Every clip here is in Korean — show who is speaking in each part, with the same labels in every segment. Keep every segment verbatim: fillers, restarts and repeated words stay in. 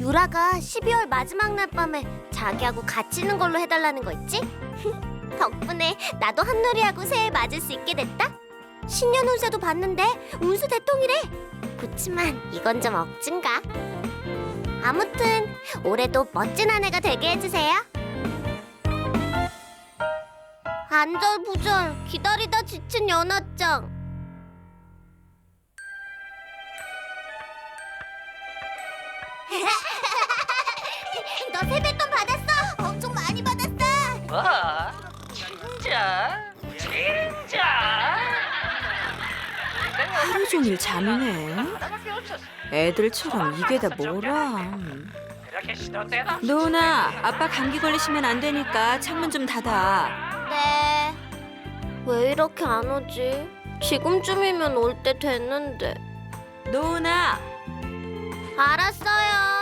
Speaker 1: 유라가 십이월 마지막 날 밤에 자기하고 같이 있는 걸로 해달라는 거 있지? 덕분에 나도 한누리하고 새해 맞을 수 있게 됐다. 신년 운세도 봤는데 운수 대통이래. 그치만 이건 좀 억진가? 아무튼 올해도 멋진 한 해가 되게 해주세요. 안절부절 기다리다 지친 연하짱. 너 세뱃돈 받았어? 엄청 많이 받았어.
Speaker 2: 뭐? 진짜? 진짜?
Speaker 3: 하루 종일 잠이네. 애들처럼 이게 다 뭐라.
Speaker 2: 이렇게 시도 때도
Speaker 3: 노은아, 아빠 감기 걸리시면 안 되니까 창문 좀 닫아.
Speaker 1: 네. 왜 이렇게 안 오지? 지금쯤이면 올 때 됐는데.
Speaker 3: 노은아,
Speaker 1: 알았어요.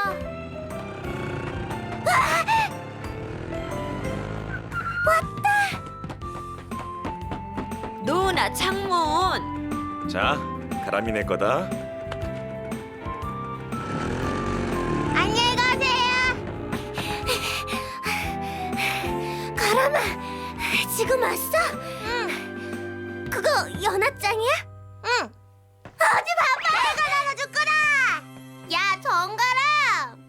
Speaker 3: 노은아, 창문.
Speaker 4: 자, 가람이네 거다.
Speaker 1: 안녕히 가세요. 가람아, 지금 왔어? 응. 그거 연하짱이야? 응. 어디 봐봐, 내가 나눠줬구나. 야, 정가람.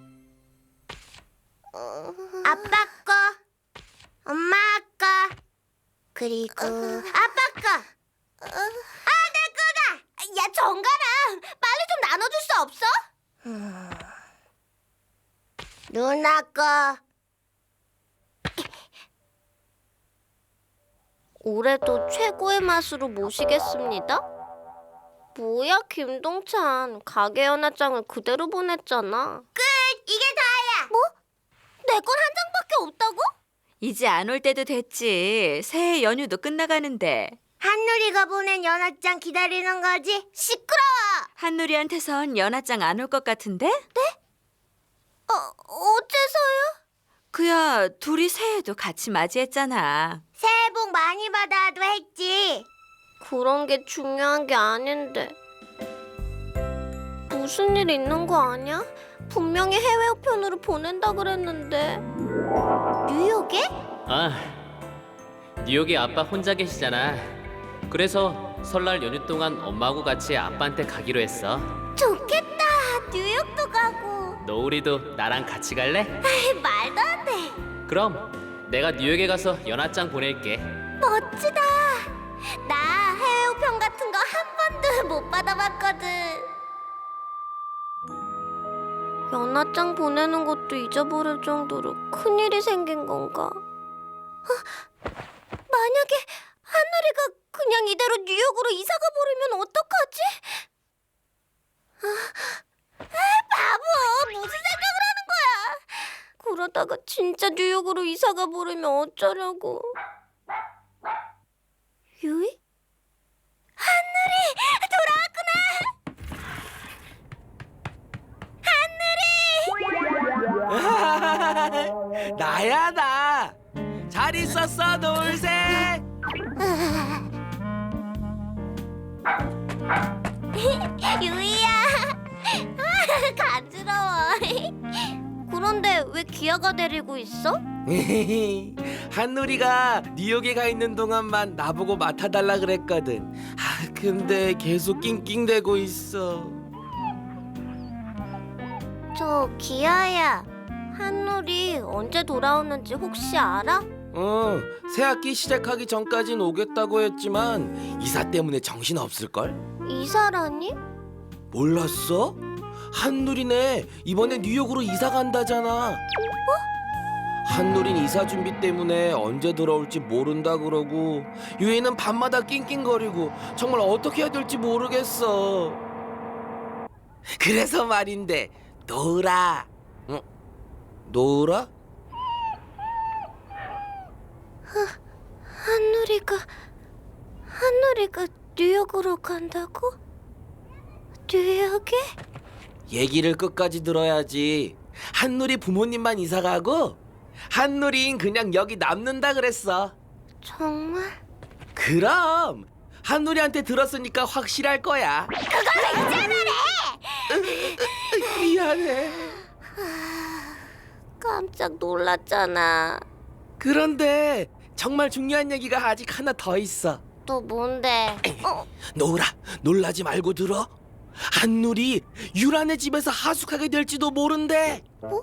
Speaker 1: 아빠 거, 엄마 거, 그리고 아빠 거. 아, 내 거다. 야, 정가람, 빨리 좀 나눠줄 수 없어? 누나 거. 올해도 최고의 맛으로 모시겠습니다. 뭐야, 김동찬. 가게 연하장을 그대로 보냈잖아. 끝! 이게 다야! 뭐? 내 건 한 장밖에 없다고?
Speaker 3: 이제 안 올 때도 됐지. 새해 연휴도 끝나가는데.
Speaker 1: 한누리가 보낸 연하장 기다리는 거지? 시끄러워!
Speaker 3: 한누리한테선 연하장 안 올 것 같은데?
Speaker 1: 어, 어째서요?
Speaker 3: 그야 둘이 새해도 같이 맞이했잖아.
Speaker 1: 새해 복 많이 받아도 했지. 그런 게 중요한 게 아닌데. 무슨 일 있는 거 아니야? 분명히 해외 우편으로 보낸다 그랬는데. 뉴욕에?
Speaker 5: 아, 뉴욕에 아빠 혼자 계시잖아. 그래서 설날 연휴 동안 엄마하고 같이 아빠한테 가기로 했어.
Speaker 1: 좋겠다. 뉴욕도 가고.
Speaker 5: 너우리도 나랑 같이 갈래?
Speaker 1: 에이, 말도 안 돼.
Speaker 5: 그럼 내가 뉴욕에 가서 연하장 보낼게.
Speaker 1: 멋지다. 나 해외 우편 같은 거 한 번도 못 받아봤거든. 연하장 보내는 것도 잊어버릴 정도로 큰일이 생긴 건가? 어? 만약에 한누리가 그냥 이대로 뉴욕으로 이사가 버리면 어떡하지? 아, 바보! 무슨 생각을 하는 거야? 그러다가 진짜 뉴욕으로 이사가 버리면 어쩌려고? 유이? 한누리! 돌아왔구나! 한누리!
Speaker 6: 나야 나. 잘 있었어 노을새.
Speaker 1: 유이야. 아, 간지러워. 그런데 왜 기아가 데리고 있어?
Speaker 6: 한누리가 뉴욕에 가 있는 동안만 나보고 맡아달라 그랬거든. 아 근데 계속 낑낑대고 있어.
Speaker 1: 저 기아야. 한누리 언제 돌아오는지 혹시 알아?
Speaker 6: 어, 새학기 시작하기 전까진 오겠다고 했지만 이사 때문에 정신 없을걸?
Speaker 1: 이사라니?
Speaker 6: 몰랐어? 한누리네 이번에 뉴욕으로 이사 간다잖아. 한누린 이사 준비 때문에 언제 돌아올지 모른다 그러고 유이는 밤마다 낑낑거리고 정말 어떻게 해야 될지 모르겠어. 그래서 말인데 노을아. 응? 노을아?
Speaker 1: 한누리가 한누리가 뉴욕으로 간다고? 뉴욕에?
Speaker 6: 얘기를 끝까지 들어야지. 한누리 부모님만 이사 가고 한누린 그냥 여기 남는다 그랬어.
Speaker 1: 정말?
Speaker 6: 그럼 한누리한테 들었으니까 확실할 거야.
Speaker 1: 그걸 왜 이제 말해?
Speaker 6: 미안해.
Speaker 1: 아, 깜짝 놀랐잖아.
Speaker 6: 그런데 정말 중요한 얘기가 아직 하나 더 있어.
Speaker 1: 또 뭔데? 어?
Speaker 6: 노을아, 놀라지 말고 들어. 한누리 유란의 집에서 하숙하게 될지도 모른대.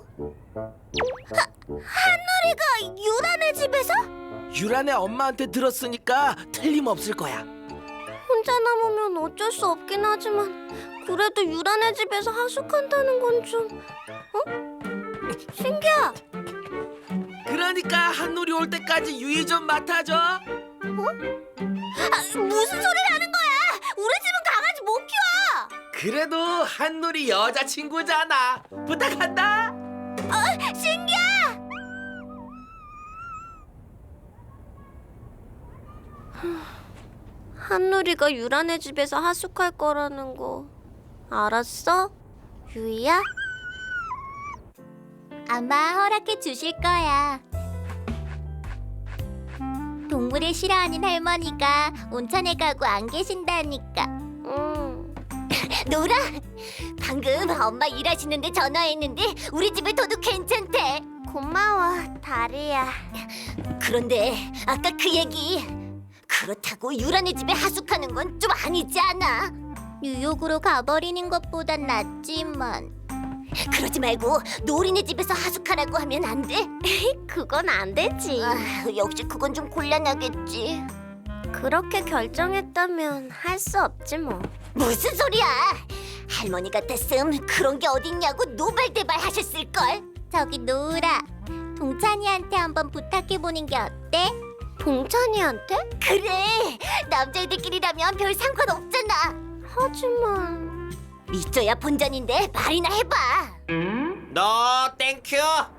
Speaker 1: 한누리가 유란의 집에서?
Speaker 6: 유란의 엄마한테 들었으니까 틀림없을 거야.
Speaker 1: 혼자 남으면 어쩔 수 없긴 하지만 그래도 유란의 집에서 하숙한다는 건 좀... 어? 신기야.
Speaker 6: 그러니까 한누리 올 때까지 유의 좀 맡아줘.
Speaker 1: 아, 무슨 소리를 하는 거야? 우리 집은 강아지 못 키워.
Speaker 6: 그래도 한누리 여자친구잖아. 부탁한다.
Speaker 1: 신기야. 한누리가 유란의 집에서 하숙할 거라는 거 알았어? 유이야? 아마 허락해 주실 거야. 동물을 싫어하는 할머니가 온천에 가고 안 계신다니까. 음. 노라, 방금 엄마 일하시는데 전화했는데 우리 집에 둬도 괜찮대. 고마워, 다리야. 그런데 아까 그 얘기 그렇다고 유란의 집에 하숙하는 건 좀 아니지 않아? 뉴욕으로 가버리는 것보단 낫지만. 그러지 말고 노린의 집에서 하숙하라고 하면 안 돼? 그건 안 되지. 아, 역시 그건 좀 곤란하겠지. 그렇게 결정했다면 할 수 없지 뭐. 무슨 소리야? 할머니 같았음 그런 게 어딨냐고 노발대발 하셨을걸. 저기 노으라, 동찬이한테 한번 부탁해보는 게 어때? 동찬이한테? 그래, 남자애들끼리라면 별 상관없잖아. 하지만... 믿져야 본전인데 말이나 해봐.
Speaker 6: 너 땡큐.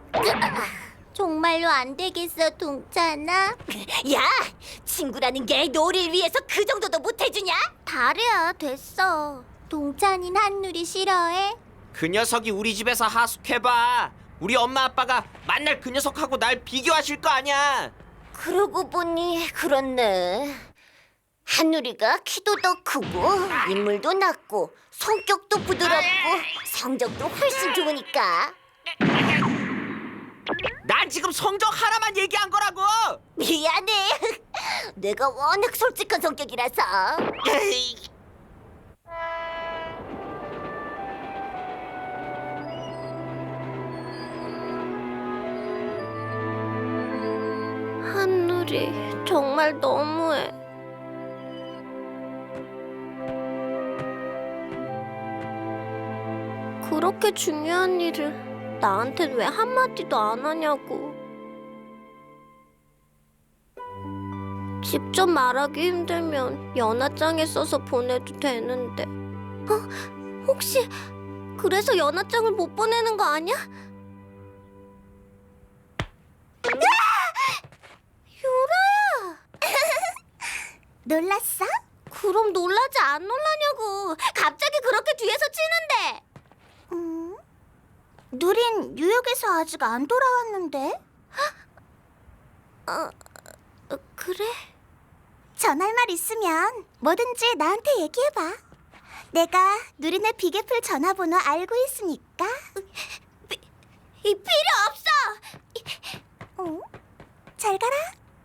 Speaker 1: 정말로 안 되겠어, 동찬아? 야, 친구라는 게 너를 위해서 그 정도도 못 해주냐? 다리야, 됐어. 동찬이는 한누리 싫어해?
Speaker 7: 그 녀석이 우리 집에서 하숙해봐. 우리 엄마 아빠가 만날 그 녀석하고 날 비교하실 거 아니야.
Speaker 1: 그러고 보니 그렇네. 한누리가 키도 더 크고 인물도 낮고 성격도 부드럽고 성적도 훨씬 좋으니까.
Speaker 7: 난 지금 성적 하나만 얘기한 거라고.
Speaker 1: 미안해. 내가 워낙 솔직한 성격이라서. 한누리 정말 너무해. 그렇게 중요한 일을 나한텐 왜 한마디도 안 하냐고. 직접 말하기 힘들면 연하장에 써서 보내도 되는데. 어? 혹시 그래서 연하장을 못 보내는 거 아니야? 유라야! 놀랐어? 그럼 놀라지 안 놀라냐고. 갑자기 그렇게 뒤에서 치는데. 음? 누린 뉴욕에서 아직 안 돌아왔는데? 어, 어, 그래? 전할 말 있으면 뭐든지 나한테 얘기해봐. 내가 누린의 비계풀 전화번호 알고 있으니까. 비, 이 필요 없어. 어? 잘 가라.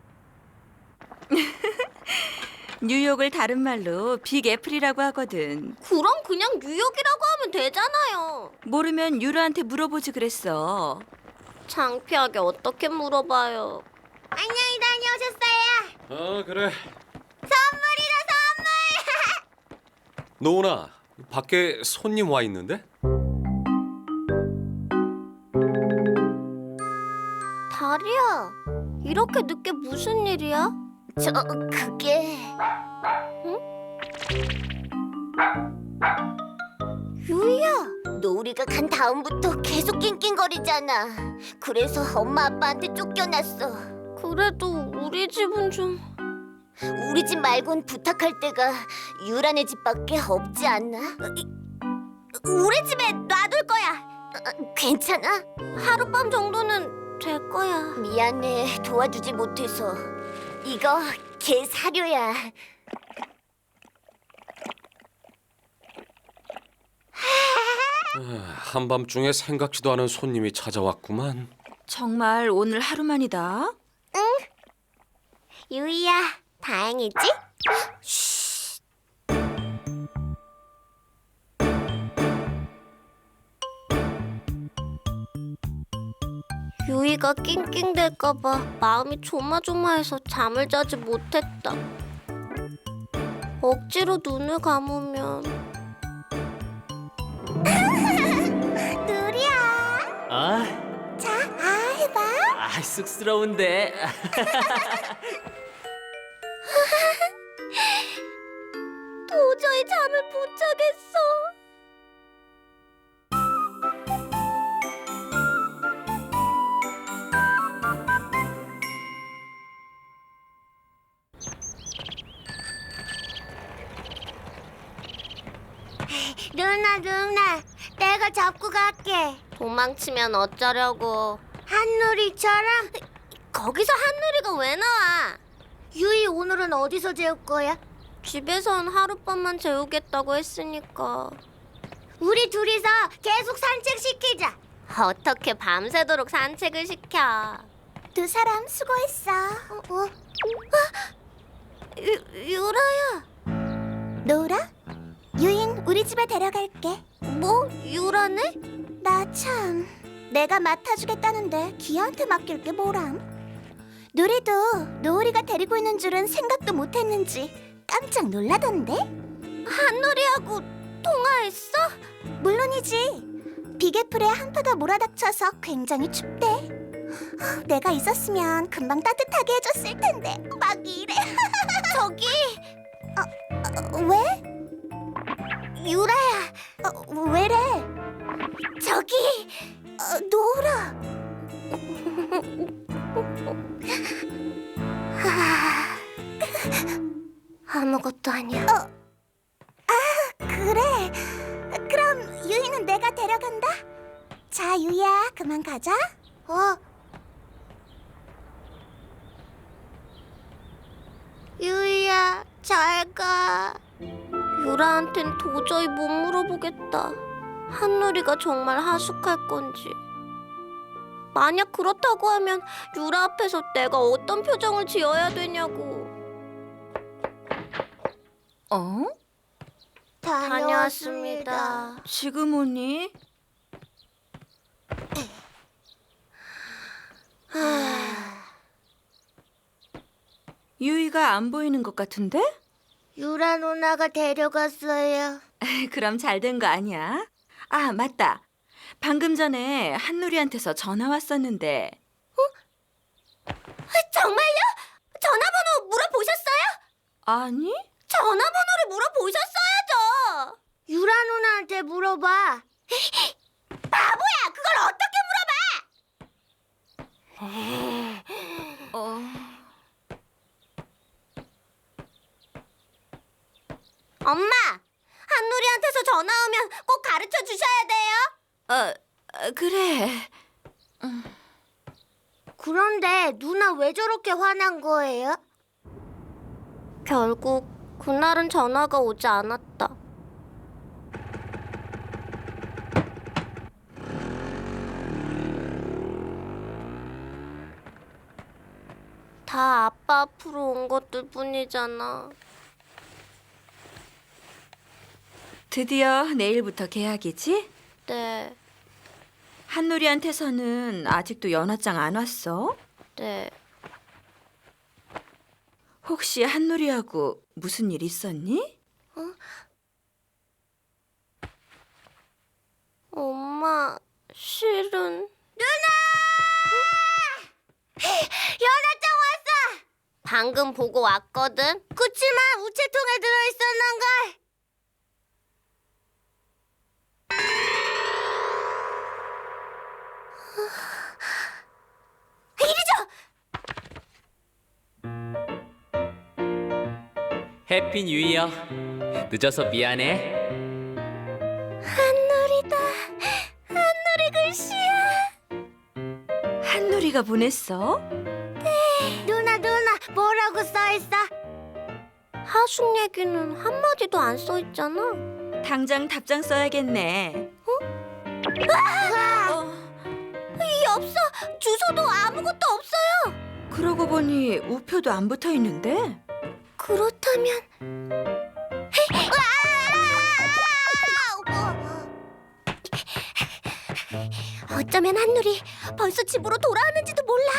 Speaker 3: 뉴욕을 다른 말로 빅 애플이라고 하거든.
Speaker 1: 그럼 그냥 뉴욕이라고 하면 되잖아요.
Speaker 3: 모르면 유라한테 물어보지 그랬어.
Speaker 1: 창피하게 어떻게 물어봐요. 안녕히 다녀오셨어요.
Speaker 8: 아 그래.
Speaker 1: 선물이다 선물.
Speaker 8: 노은아, 밖에 손님 와 있는데?
Speaker 1: 다리야, 이렇게 늦게 무슨 일이야? 저 그게... 응? 유이야, 너 우리가 간 다음부터 계속 낑낑거리잖아. 그래서 엄마 아빠한테 쫓겨났어. 그래도 우리 집은 좀... 우리 집 말곤 부탁할 데가 유란의 집밖에 없지 않나? 우리 집에 놔둘 거야. 어, 괜찮아? 하룻밤 정도는 될 거야. 미안해, 도와주지 못해서. 이거 개 사료야.
Speaker 8: 아, 한밤중에 생각지도 않은 손님이 찾아왔구만.
Speaker 3: 정말 오늘 하루만이다.
Speaker 1: 유이야, 다행이지? 유이가 낑낑댈까봐 마음이 조마조마해서 잠을 자지 못했다. 억지로 눈을 감으면 누리야.
Speaker 5: 아,
Speaker 1: 자, 아 해봐.
Speaker 5: 아 쑥스러운데.
Speaker 1: 도저히 잠을 못 자겠어. 누나 누나, 내가 잡고 갈게. 도망치면 어쩌려고? 한누리처럼? 거기서 한누리가 왜 나와? 유이 오늘은 어디서 재울 거야? 집에선 하룻밤만 재우겠다고 했으니까. 우리 둘이서 계속 산책시키자. 어떻게 밤새도록 산책을 시켜? 두 사람 수고했어. 어? 어? 아! 유, 유라야. 노라? 유인 우리 집에 데려갈게. 뭐? 유라네? 나 참 내가 맡아주겠다는데 기아한테 맡길 게 뭐람? 누리도 노을이가 데리고 있는 줄은 생각도 못했는지 깜짝 놀라던데? 한누리하고 통화했어? 물론이지. 비계풀에 한파가 몰아닥쳐서 굉장히 춥대. 내가 있었으면 금방 따뜻하게 해줬을 텐데 막 이래. 저기 어, 어, 왜? 유라야, 어, 왜래? 저기 어, 노을아. 하, 아무것도 아니야. 어, 아, 그래. 그럼 유이는 내가 데려간다. 자, 유이야, 그만 가자. 어. 유이야, 잘 가. 유라한텐 도저히 못 물어보겠다. 한누리가 정말 하숙할 건지. 만약 그렇다고 하면 유라 앞에서 내가 어떤 표정을 지어야 되냐고.
Speaker 3: 어?
Speaker 1: 다녀왔습니다.
Speaker 3: 지금 오니? 유이가 안 보이는 것 같은데?
Speaker 1: 유라 누나가 데려갔어요.
Speaker 3: 그럼 잘 된 거 아니야? 아, 맞다. 방금 전에 한누리한테서 전화 왔었는데.
Speaker 1: 정말요? 전화번호 물어보셨어요?
Speaker 3: 아니?
Speaker 1: 전화번호를 물어보셨어야죠. 유라 누나한테 물어봐. 바보야, 그걸 어떻게 물어봐?
Speaker 3: 어...
Speaker 1: 엄마, 한누리한테서 전화 오면 꼭 가르쳐 주셔야 돼요.
Speaker 3: 어, 어, 그래.
Speaker 1: 그런데 누나 왜 저렇게 화난 거예요? 결국 그날은 전화가 오지 않았다. 다 아빠 앞으로 온 것들 뿐이잖아.
Speaker 3: 드디어 내일부터 계약이지?
Speaker 1: 네,
Speaker 3: 한누리한테서는 아직도 연하장 안 왔어?
Speaker 1: 네.
Speaker 3: 혹시 한누리하고 무슨 일 있었니?
Speaker 1: 엄마, 실은 누나! 연하장 왔어! 방금 보고 왔거든. 그치만 우체통에 들어있었는걸. 이리 줘!
Speaker 5: 해피 뉴 이어. 늦어서 미안해.
Speaker 1: 한누리다. 한누리 글씨야.
Speaker 3: 한누리가 보냈어?
Speaker 1: 누나 누나 뭐라고 써있어? 하숙 얘기는 한마디도 안 써있잖아.
Speaker 3: 당장 답장 써야겠네.
Speaker 1: 어? 이 없어. 주소도 아무것도 없어요.
Speaker 3: 그러고 보니 우표도 안 붙어 있는데.
Speaker 1: 그렇다면 어쩌면 한누리 벌써 집으로 돌아왔는지도 몰라.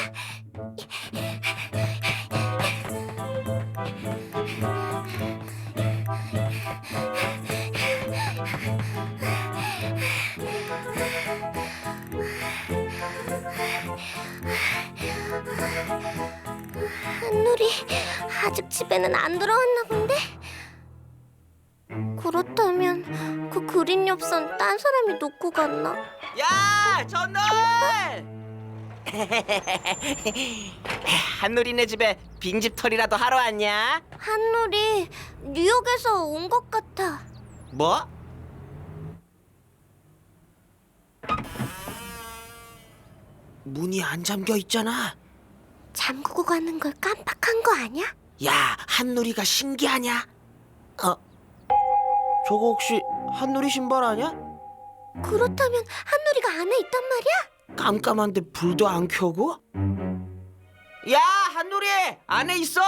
Speaker 1: 한누리 아직 집에는 안 들어왔나 본데? 그렇다면 그 그린 엽선 딴 사람이 놓고 갔나?
Speaker 7: 야, 전놀! 한누리네 집에 빈집털이라도 하러 왔냐?
Speaker 1: 한누리 뉴욕에서 온 것 같아.
Speaker 7: 뭐? 문이 안 잠겨 있잖아.
Speaker 1: 잠그고 가는 걸 깜빡한 거 아니야?
Speaker 7: 야, 한누리가 신기하냐? 어? 저거 혹시 한누리 신발 아니야?
Speaker 1: 그렇다면 한누리가 안에 있단 말이야?
Speaker 7: 깜깜한데 불도 안 켜고? 야, 한누리! 안에 있어?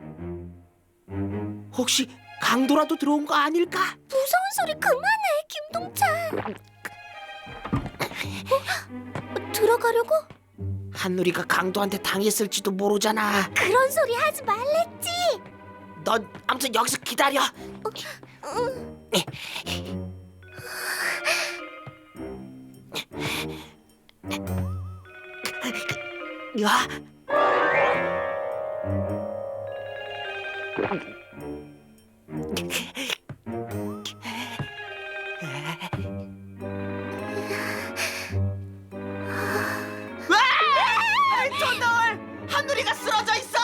Speaker 7: 혹시 강도라도 들어온 거 아닐까?
Speaker 1: 무서운 소리 그만해, 김동찬. 어? 들어가려고?
Speaker 7: 한누리가 강도한테 당했을지도 모르잖아.
Speaker 1: 그런 소리 하지 말랬지.
Speaker 7: 넌 아무튼 여기서 기다려. 야. 와! 전널! 한누리가 쓰러져 있어!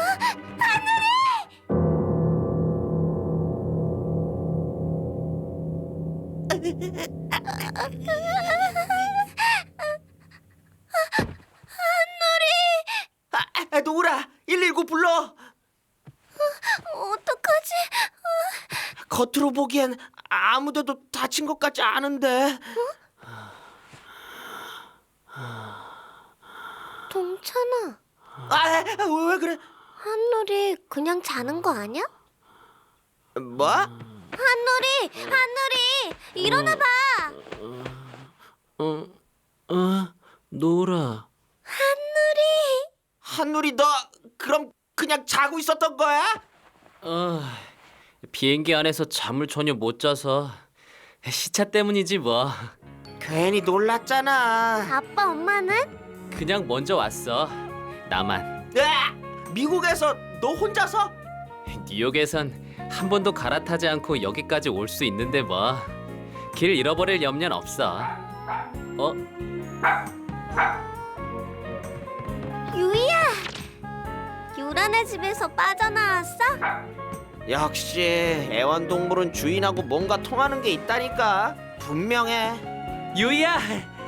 Speaker 7: 아, 아, 노우라, 일일구 불러.
Speaker 1: 어떡하지?
Speaker 7: 겉으로 보기엔 아무데도 다친 것 같지 않은데.
Speaker 1: 동찬아,
Speaker 7: 아, 왜, 왜 그래?
Speaker 1: 한누리 그냥 자는 거 아니야?
Speaker 7: 뭐?
Speaker 1: 한누리, 한누리, 일어나 봐.
Speaker 6: 어, 어, 노라.
Speaker 1: 한누리.
Speaker 7: 한누리, 너 그럼 그냥 자고 있었던 거야?
Speaker 5: 어, 비행기 안에서 잠을 전혀 못 자서 시차 때문이지 뭐.
Speaker 7: 괜히 놀랐잖아.
Speaker 1: 아빠, 엄마는?
Speaker 5: 그냥 먼저 왔어. 나만.
Speaker 7: 으아! 미국에서 너 혼자서?
Speaker 5: 뉴욕에선 한 번도 갈아타지 않고 여기까지 올 수 있는데 뭐. 길 잃어버릴 염려는 없어. 어?
Speaker 1: 유이야. 유란의 집에서 빠져나왔어?
Speaker 7: 역시 애완동물은 주인하고 뭔가 통하는 게 있다니까. 분명해.
Speaker 5: 유이야.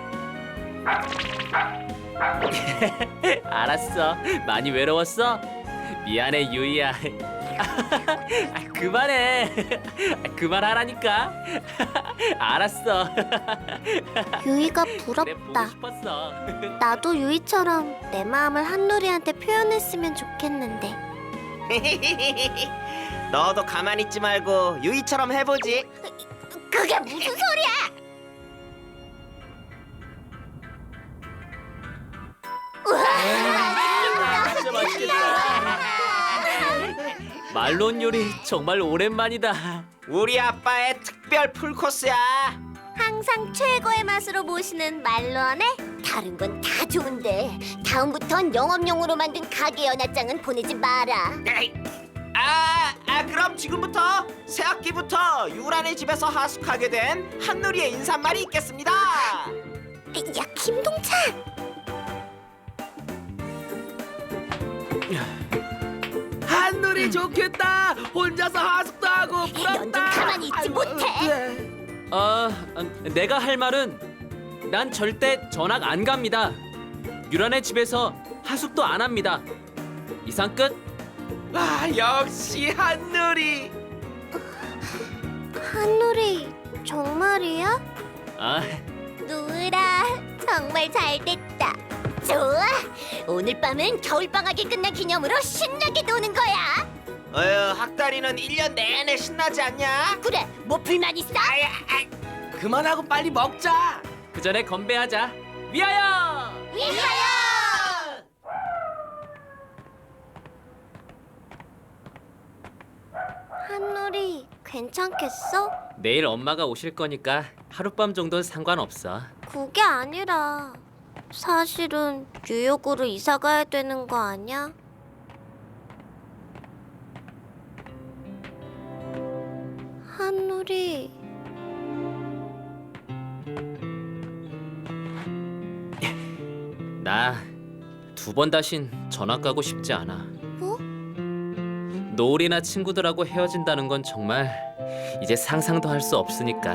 Speaker 5: 알았어. 많이 외로웠어? 미안해 유이야. 아, 그만해. 아, 그만하라니까. 알았어.
Speaker 1: 유이가
Speaker 5: 그래 보고
Speaker 1: 부럽다.
Speaker 5: 싶었어.
Speaker 1: 나도 유이처럼 내 마음을 한누리한테 표현했으면 좋겠는데.
Speaker 7: 너도 가만히 있지 말고 유이처럼 해보지.
Speaker 1: 그게 무슨 소리야?
Speaker 5: 진짜 맛있겠다. 말론 요리 정말 오랜만이다.
Speaker 7: 우리 아빠의 특별 풀코스야.
Speaker 1: 항상 최고의 맛으로 모시는 말론에 다른 건 다 좋은데 다음부턴 영업용으로 만든 가게 연합장은 보내지 마라.
Speaker 7: 에이, 아, 아 그럼 지금부터 새 학기부터 유란의 집에서 하숙하게 된 한누리의 인사말이 있겠습니다.
Speaker 1: 야, 김동찬.
Speaker 6: 한누리 좋겠다. 혼자서 하숙도 하고 부럽다.
Speaker 1: 넌 좀 가만히 있지
Speaker 6: 아이고,
Speaker 1: 못해.
Speaker 6: 네.
Speaker 5: 아, 내가 할 말은 난 절대 전학 안 갑니다. 유란의 집에서 하숙도 안 합니다. 이상 끝.
Speaker 6: 아, 역시 한누리.
Speaker 1: 한누리 정말이야?
Speaker 5: 아,
Speaker 1: 누라 정말 잘 됐다. 좋아. 오늘 밤은 겨울방학이 끝난 기념으로 신나게 노는 거야.
Speaker 7: 어휴, 학다리는 일 년 내내 신나지 않냐?
Speaker 1: 그래, 뭐 불만 있어?
Speaker 6: 그만하고 빨리 먹자.
Speaker 5: 그 전에 건배하자. 위하여!
Speaker 1: 위하여! 한누리, 괜찮겠어?
Speaker 5: 내일 엄마가 오실 거니까 하룻밤 정도는 상관없어.
Speaker 1: 그게 아니라 사실은 뉴욕으로 이사 가야 되는 거 아니야? 한누리.
Speaker 5: 나 두 번 다신 전학 가고 싶지 않아.
Speaker 1: 뭐?
Speaker 5: 노을이나 친구들하고 헤어진다는 건 정말 이제 상상도 할 수 없으니까.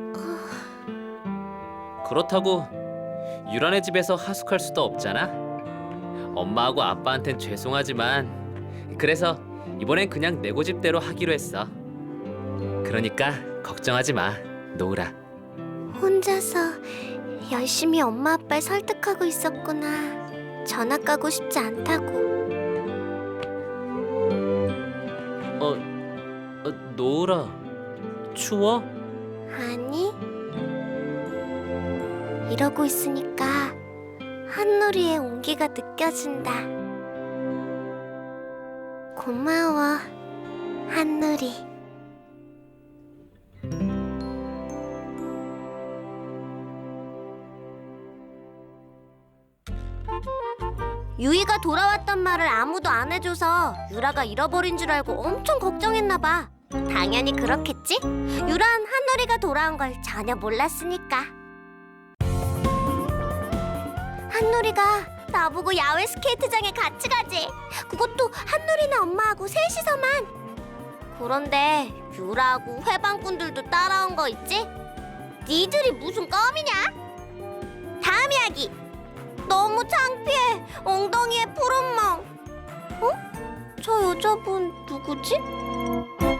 Speaker 5: 그렇다고 유란의 집에서 하숙할 수도 없잖아. 엄마하고 아빠한텐 죄송하지만 그래서 이번엔 그냥 내 고집대로 하기로 했어. 그러니까 걱정하지 마, 노을아.
Speaker 1: 혼자서 열심히 엄마 아빠를 설득하고 있었구나. 전학 가고 싶지 않다고.
Speaker 5: 어, 어 노을아, 추워?
Speaker 1: 아니, 이러고 있으니까 한누리의 온기가 느껴진다. 고마워, 한누리. 유이가 돌아왔단 말을 아무도 안 해줘서 유라가 잃어버린 줄 알고 엄청 걱정했나 봐. 당연히 그렇겠지? 유란 한누리가 돌아온 걸 전혀 몰랐으니까. 한누리가 나보고 야외 스케이트장에 같이 가지. 그것도 한누리네 엄마하고 셋이서만. 그런데 유라하고 회방꾼들도 따라온 거 있지? 니들이 무슨 껌이냐? 다음 이야기. 너무 창피해. 엉덩이에 푸른 멍. 어? 저 여자분 누구지?